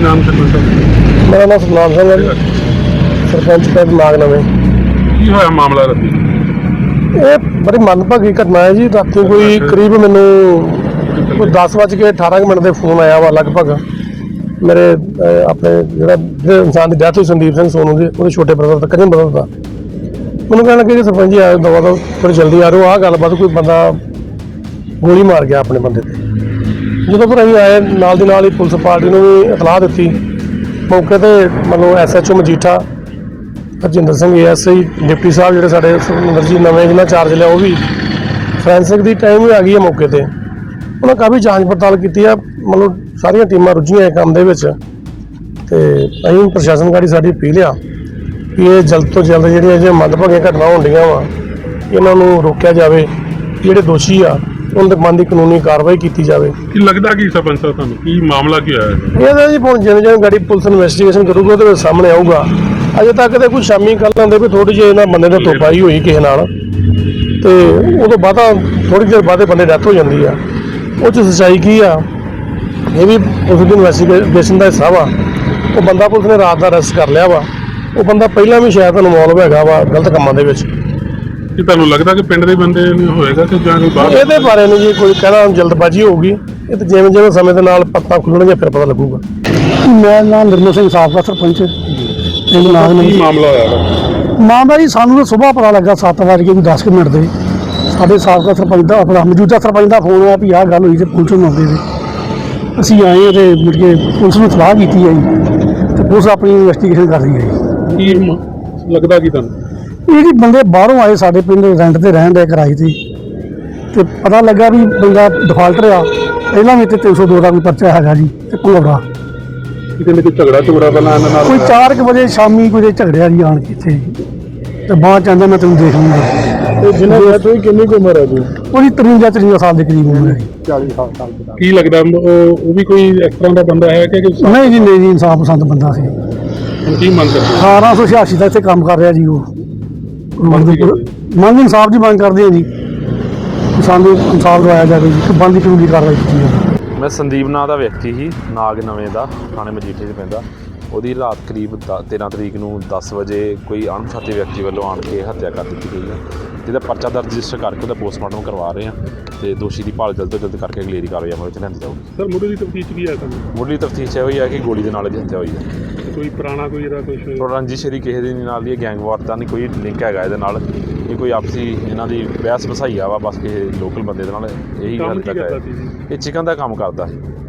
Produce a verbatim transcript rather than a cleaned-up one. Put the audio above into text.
नाम सरपंच साहब? मेरा नाम सतनाम सिंह है जी, सरपंच पिंड नाग नवें। की होया मामला राती? ये बड़ी मनभागी घटना है जी। राती कोई करीब मैनू कोई दस बज के अठारह मिनट के फोन आया वा लगभग मेरे अह, अपने ਜਿਹੜਾ ਜਿਹੜੇ इंसान की डेथ हुई संदीप सिंह सोनू की ਉਹਦੇ छोटे ब्रदर का कजन ब्रदर का मैंने कहना कि सरपंच जी आयो दवा दो थोड़ी जल्दी आ रहे हो। आह गलबात कोई बंदा गोली मार गया अपने बंदे ते। ਜਦੋਂ ਫਿਰ ਅਸੀਂ ਆਏ ਨਾਲ ਦੀ ਨਾਲ ਹੀ ਪੁਲਿਸ ਪਾਰਟੀ ਨੂੰ ਵੀ ਇਤਲਾਹ ਦਿੱਤੀ। ਮੌਕੇ ਤੇ ਮਤਲਬ S H O Majitha Harjinder Singh A S I deputy ਸਾਹਿਬ ਜਿਹੜੇ ਸਾਡੇ ਸੁਖਮਿੰਦਰ ਜੀ ਨਵੇਂ ਜਿਹਨਾਂ ਚਾਰਜ ਲਿਆ ਉਹ ਵੀ ਫੋਰੈਂਸਿਕ ਦੀ ਟਾਈਮ ਵੀ ਆ ਗਈ ਹੈ ਮੌਕੇ ਤੇ। ਉਹਨਾਂ ਕਾਫੀ ਜਾਂਚ ਪੜਤਾਲ ਕੀਤੀ ਆ, ਮਤਲਬ ਸਾਰੀਆਂ ਟੀਮਾਂ ਰੁੱਝੀਆਂ ਇਹ ਕੰਮ ਦੇ ਵਿੱਚ ਤੇ ਅਸੀਂ ਪ੍ਰਸ਼ਾਸਨ ਗਾੜੀ ਸਾਡੀ ਅਪੀਲ ਆ ਕਿ ਇਹ ਜਲਦ ਤੋਂ ਜਲਦ ਜਿਹੜੀਆਂ ਜਿਹੜੀਆਂ ਮੰਦਭਾਗੀਆਂ ਘਟਨਾ ਹੁੰਦੀਆਂ ਵਾ ਇਹਨਾਂ ਨੂੰ ਰੋਕਿਆ ਜਾਵੇ। ਜਿਹੜੇ ਦੋਸ਼ੀ ਆ ਉਹਨਾਂ ਦੇ ਮਨ ਦੀ ਕਾਨੂੰਨੀ ਕਾਰਵਾਈ ਕੀਤੀ ਜਾਵੇ। ਕੀ ਲੱਗਦਾ ਕੀ ਸਰਪੰਚ ਸਾਹਿਬ ਤੁਹਾਨੂੰ ਕੀ ਮਾਮਲਾ ਕੀ ਹੋਇਆ? ਇਹਦਾ ਜੀ ਹੁਣ ਜਿਵੇਂ ਜਿਵੇਂ ਗਾੜੀ ਪੁਲਿਸ ਇਨਵੈਸਟੀਗੇਸ਼ਨ ਕਰੂਗਾ ਉਹਦੇ ਵਿੱਚ ਸਾਹਮਣੇ ਆਊਗਾ। ਅਜੇ ਤੱਕ ਤੇ ਕੋਈ ਸ਼ਾਮੀ ਗੱਲ ਆਉਂਦੇ ਵੀ ਥੋੜੀ ਜਿਹੀ ਇਹਨਾਂ ਬੰਦੇ ਦੀ ਤੋਪਾਈ ਹੋਈ ਕਿਸੇ ਨਾਲ ਤੇ ਉਦੋਂ ਬਾਅਦ ਥੋੜੀ ਦੇਰ ਬਾਅਦ ਬੰਦੇ ਡੈਥ ਹੋ ਜਾਂਦੀ ਆ। ਉਹ 'ਚ ਸੱਚਾਈ ਕੀ ਆ ਇਹ ਵੀ ਪੁਲਿਸ ਦੀ ਇਨਵੈਸਟੀਗੇਸ਼ਨ ਦਾ ਹਿੱਸਾ ਵਾ। ਉਹ ਬੰਦਾ ਪੁਲਿਸ ਨੇ ਰਾਤ ਦਾ ਅਰੈਸਟ ਕਰ ਲਿਆ ਵਾ। ਉਹ ਬੰਦਾ ਪਹਿਲਾਂ ਵੀ ਸ਼ਾਇਦ ਇਨਵੋਲਵ ਹੈਗਾ ਵਾ ਗਲਤ ਕੰਮਾਂ ਦੇ ਵਿੱਚ। ਕੀ ਤੁਹਾਨੂੰ ਲੱਗਦਾ ਕਿ ਪਿੰਡ ਦੇ ਬੰਦੇ ਨਹੀਂ ਹੋਏਗਾ ਕਿ ਜਾਂ ਕੋਈ ਬਾਹਰ? ਇਹਦੇ ਬਾਰੇ ਨਹੀਂ ਜੀ ਕੋਈ ਕਹਿਣਾ ਜਲਦਬਾਜ਼ੀ ਹੋਊਗੀ। ਇਹ ਤਾਂ ਜਿਵੇਂ ਜਿਵੇਂ ਸਮੇਂ ਦੇ ਨਾਲ ਪੱਤਾ ਖੁੱਲਣਗੇ ਫਿਰ ਪਤਾ ਲੱਗੂਗਾ। ਮੈਂ ਨਾਮ ਨਿਰਮਲ ਸਿੰਘ ਸਾਬਕਾ ਸਰਪੰਚ ਪਿੰਡ ਨਾਗ ਨਵੇਂ। ਕੀ ਮਾਮਲਾ ਹੋਇਆ? ਮਾਮਲਾ ਜੀ ਸਾਨੂੰ ਤਾਂ ਸੁਬਾਹ ਪਤਾ ਲੱਗਾ ਸੱਤ ਵਜੇ ਕੇ ਵੀ ਦਸ ਕੁ ਮਿੰਟ ਦੇ ਸਾਡੇ ਸਾਬਕਾ ਸਰਪੰਚ ਦਾ ਆਪਣਾ ਮੌਜੂਦਾ ਸਰਪੰਚ ਦਾ ਫੋਨ ਆਇਆ ਵੀ ਆਹ ਗੱਲ ਹੋਈ ਤੇ ਪੁਲਿਸ ਨੂੰ ਆਉਂਦੇ ਸੀ। ਅਸੀਂ ਆਏ ਤੇ ਮੁੜ ਕੇ ਪੁਲਿਸ ਨੂੰ ਸਲਾਹ ਕੀਤੀ ਹੈ ਜੀ ਤੇ ਪੁਲਿਸ ਆਪਣੀ ਇਨਵੈਸਟੀਗੇਸ਼ਨ ਕਰ ਰਹੀ ਹੈ ਜੀ। ਕੀ ਮ- ਲੱਗਦਾ ਕੀ ਤੁਹਾਨੂੰ? ਇਹ ਜੀ ਬੰਦੇ ਬਾਹਰੋਂ ਆਏ ਸਾਡੇ ਪਿੰਡ ਰੈਂਟ ਤੇ ਰਹਿਣ ਦੇ ਕਿਰਾਏ ਤੇ ਤੇ ਪਤਾ ਲੱਗਾ ਵੀ ਬੰਦਾ ਡਿਫਾਲਟਰ ਆ। ਪਹਿਲਾਂ ਵੀ ਤੇ ਤਿੰਨ ਸੌ ਦੋ ਦਾ ਕੋਈ ਪਰਚਾ ਹੈਗਾ ਜੀ ਤੇ ਭੰਗੜਾ ਕਿਤੇ ਨਾ ਕੋਈ ਝਗੜਾ ਝਗੜਾ ਪਹਿਲਾਂ ਇਹਨਾਂ ਨਾਲ ਕੋਈ ਚਾਰ ਕੁ ਵਜੇ ਸ਼ਾਮੀ ਕੋਈ ਝਗੜਿਆ ਜੀ ਆਣ ਕੇ ਇੱਥੇ ਤੇ ਬਾਅਦ ਚ ਆਂਦਾ ਮੈਂ ਤੈਨੂੰ ਦੇਖ ਲੂੰਗਾ। ਤੇ ਜਿਹਨਾਂ ਦੀ ਤੁਸੀਂ ਕਿੰਨੀ ਕੁ ਉਮਰ ਹੈ ਜੀ? ਉਹਦੀ ਤਰਵੰਜਾ ਤਰਵੰਜਾ ਸਾਲ ਦੇ ਕਰੀਬ ਉਮਰ ਹੈ ਜੀ। ਚਾਲੀ ਸਾਲ ਦਾ। ਕੀ ਲੱਗਦਾ ਉਹ ਉਹ ਵੀ ਕੋਈ ਇਸ ਤਰ੍ਹਾਂ ਦਾ ਬੰਦਾ ਹੈ ਕਿ ਕਿ- ਨਹੀਂ ਜੀ ਨਹੀਂ ਜੀ ਇਨਸਾਫ ਪਸੰਦ ਬੰਦਾ ਸੀ। ਹੁਣ ਕੀ ਮੰਗ ਕਰਦੇ? ਅਠਾਰਾਂ ਸੌ ਛਿਆਸੀ ਦਾ ਇੱਥੇ ਕੰਮ ਕਰ ਰਿਹਾ ਜੀ ਉਹ। ਮੰਗ ਕੀ ਮੰਗ ਇਨਸਾਫ ਦੀ ਮੰਗ ਕਰਦੇ ਆ ਜੀ ਕਿ ਸਾਨੂੰ ਇਨਸਾਫ ਦਵਾਇਆ ਜਾਵੇ ਜੀ ਕਿ ਬਣਦੀ ਕਾਨੂੰਨੀ ਕਾਰਵਾਈ ਕੀਤੀ ਜਾਵੇ। ਮੈਂ ਸੰਦੀਪ ਨਾਂ ਦਾ ਵਿਅਕਤੀ ਸੀ ਨਾਗ ਨਵੇਂ ਦਾ, ਥਾਣੇ ਮਜੀਠੇ 'ਚ ਪੈਂਦਾ। ਉਹਦੀ ਰਾਤ ਕਰੀਬ ਦ ਤੇਰ੍ਹਾਂ ਤਰੀਕ ਨੂੰ ਦਸ ਵਜੇ ਕੋਈ ਅਣਪਛਾਤੇ ਵਿਅਕਤੀ ਵੱਲੋਂ ਆਣ ਕੇ ਹੱਤਿਆ ਕਰ ਦਿੱਤੀ ਗਈ ਹੈ, ਜਿਹਦਾ ਪਰਚਾ ਦਰਜ ਰਜਿਸਟਰ ਕਰਕੇ ਉਹਦਾ ਪੋਸਟਮਾਰਟਮ ਕਰਵਾ ਰਹੇ ਹਾਂ ਤੇ ਦੋਸ਼ੀ ਦੀ ਭਾਲ ਜਲਦ ਤੋਂ ਜਲਦ ਕਰਕੇ ਅਗਲੇਰੀ ਕਾਰਵਾਈ ਅਮਲ ਵਿੱਚ ਲਿਆਂਦੀ ਜਾਊਗੀ। ਸਰ ਮੁੱਢਲੀ ਤਫਤੀਸ਼ ਕੀ ਹੈ ਤੁਹਾਨੂੰ? ਮੁੱਢਲੀ ਤਫਤੀਸ਼ ਇਹ ਹੋਈ ਹੈ ਕਿ ਗੋਲੀ ਦੇ ਨਾਲ ਇਹਦੀ ਹੱਤਿਆ ਹੋਈ ਹੈ। ਕੋਈ ਪੁਰਾਣਾ ਕੋਈ ਇਹਦਾ ਕੁਝ? ਪਰ ਰੰਜਿਸ਼ ਇਹਦੀ ਕਿਸੇ ਦੇ ਨਾਲ ਦੀ ਗੈਂਗ ਵਾਰ ਦਾ ਨਹੀਂ ਕੋਈ ਲਿੰਕ ਹੈਗਾ ਇਹਦੇ ਨਾਲ। ਇਹ ਕੋਈ ਆਪਸੀ ਇਹਨਾਂ ਦੀ ਬਹਿਸ ਵਸਾਈਆ ਵਾ ਬਸ ਕਿਸੇ ਲੋਕਲ ਬੰਦੇ ਦੇ ਨਾਲ ਇਹੀ ਕੰਮ ਗੱਲ ਕੀ ਤੱਕ ਕਰਦਾ ਹੈ। ਸੀ ਜੀ? ਇਹ ਚਿਕਨ ਦਾ ਕੰਮ ਕਰਦਾ ਸੀ।